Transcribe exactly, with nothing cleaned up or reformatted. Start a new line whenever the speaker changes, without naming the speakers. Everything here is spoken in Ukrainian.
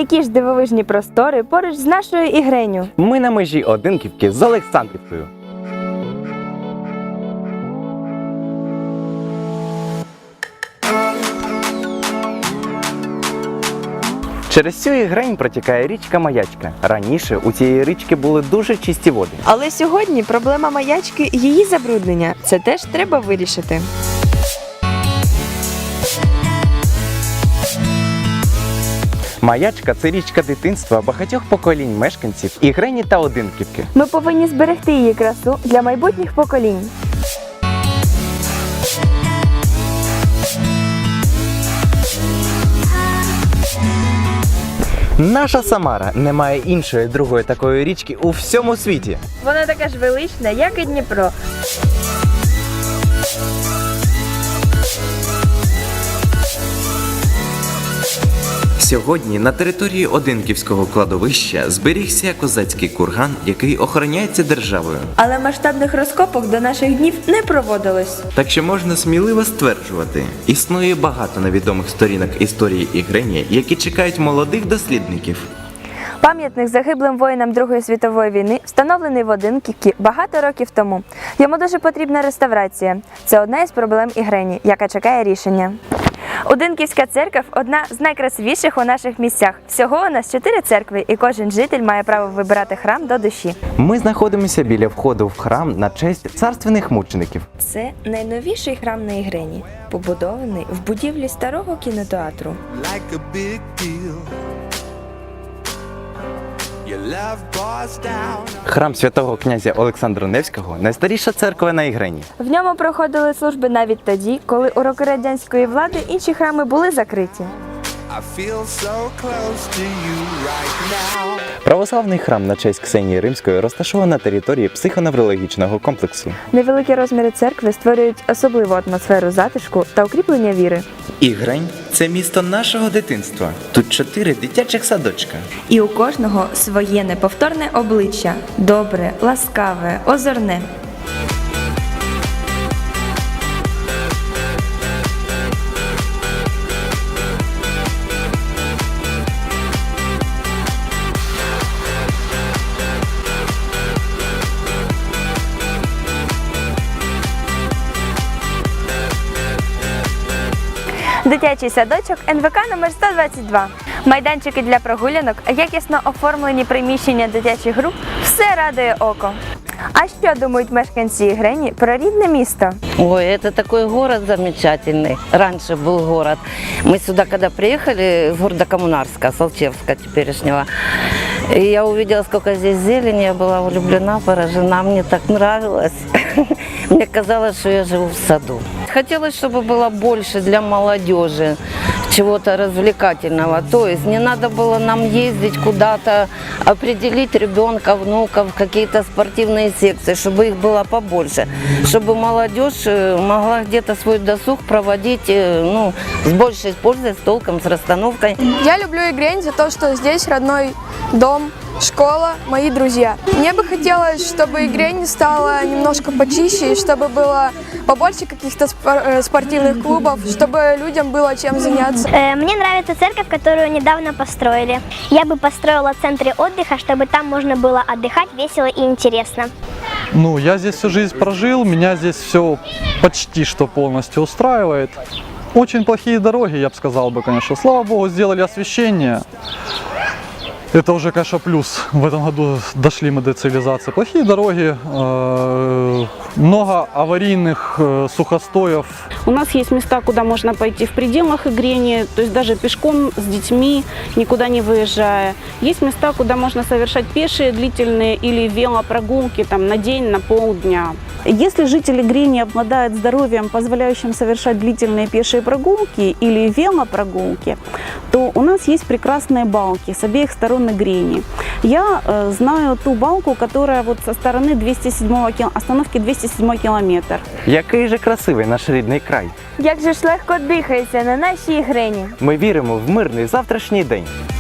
Які ж дивовижні простори поруч з нашою Ігреню.
Ми на межі Одинківки з Олександрівкою. Через цю Ігрень протікає річка Маячка. Раніше у цієї річки були дуже чисті води.
Але сьогодні проблема Маячки – її забруднення. Це теж треба вирішити.
Маячка – це річка дитинства багатьох поколінь мешканців Ігрені та Одинківки.
Ми повинні зберегти її красу для майбутніх поколінь.
Наша Самара не має іншої другої такої річки у всьому світі.
Вона така ж велична, як і Дніпро.
Сьогодні на території Одинківського кладовища зберігся козацький курган, який охороняється державою.
Але масштабних розкопок до наших днів не проводилось.
Так що можна сміливо стверджувати, існує багато невідомих сторінок історії Ігрені, які чекають молодих дослідників.
Пам'ятник загиблим воїнам Другої світової війни встановлений в Одинківці багато років тому. Йому дуже потрібна реставрація. Це одна із проблем Ігрені, яка чекає рішення. Одинківська церква – одна з найкрасивіших у наших місцях. Всього у нас чотири церкви, і кожен житель має право вибирати храм до душі.
Ми знаходимося біля входу в храм на честь царственних мучеників.
Це найновіший храм на Ігрені, побудований в будівлі старого кінотеатру.
Like a big deal. Your love pours down.
Храм святого князя Олександра Невського – найстаріша церква на Ігрені.
В ньому проходили служби навіть тоді, коли у роки радянської влади інші храми були закриті.
I feel so close to you right now.
Православний храм на честь Ксенії Римської розташований на території психоневрологічного комплексу.
Невеликі розміри церкви створюють особливу атмосферу затишку та укріплення віри.
Ігрень – це місто нашого дитинства. Тут чотири дитячих садочка.
І у кожного своє неповторне обличчя – добре, ласкаве, озорне. Дитячий садочок ен ве ка номер сто двадцять два. Майданчики для прогулянок, якісно оформлені приміщення дитячих груп – все радує око. А що думають мешканці Ігрені про рідне місто?
Ой, это такой город замечательный. Раньше был город. Мы сюда, когда приехали, из города Коммунарска, с Алчевска теперешнего, и я увидела, сколько здесь зелени, я была влюблена, поражена, мне так нравилось. Мне казалось, что я живу в саду. Хотелось, чтобы было больше для молодежи, чего-то развлекательного. То есть не надо было нам ездить куда-то, определить ребенка, внуков, какие-то спортивные секции, чтобы их было побольше, чтобы молодежь могла где-то свой досуг проводить, ну, с большей пользой, с толком, с расстановкой.
Я люблю Игрень за то, что здесь родной дом, школа, мои друзья. Мне бы хотелось, чтобы Игрень стала немножко почище, и чтобы было побольше каких-то спортивных клубов, чтобы людям было чем заняться.
Мне нравится церковь, которую недавно построили. Я бы построила в центре отдыха, чтобы там можно было отдыхать весело и интересно.
Ну, я здесь всю жизнь прожил, меня здесь все почти что полностью устраивает. Очень плохие дороги, я бы сказал бы, конечно. Слава богу, сделали освещение. Это уже, конечно, плюс. В этом году дошли мы до цивилизации. Плохие дороги, э, много аварийных э, сухостоев.
У нас есть места, куда можно пойти в пределах Игрени, то есть даже пешком с детьми, никуда не выезжая. Есть места, куда можно совершать пешие, длительные или велопрогулки там, на день, на полдня. Если жители Игрени обладают здоровьем, позволяющим совершать длительные пешие прогулки или велопрогулки, то у нас есть прекрасные балки с обеих сторон Игрени. Я э, знаю ту балку, которая вот со стороны двести седьмого кил... остановки двести седьмой километр.
Який же красивий наш рідний край.
Як же ж легко дихається на нашій Ігрені.
Ми віримо в мирний завтрашній день.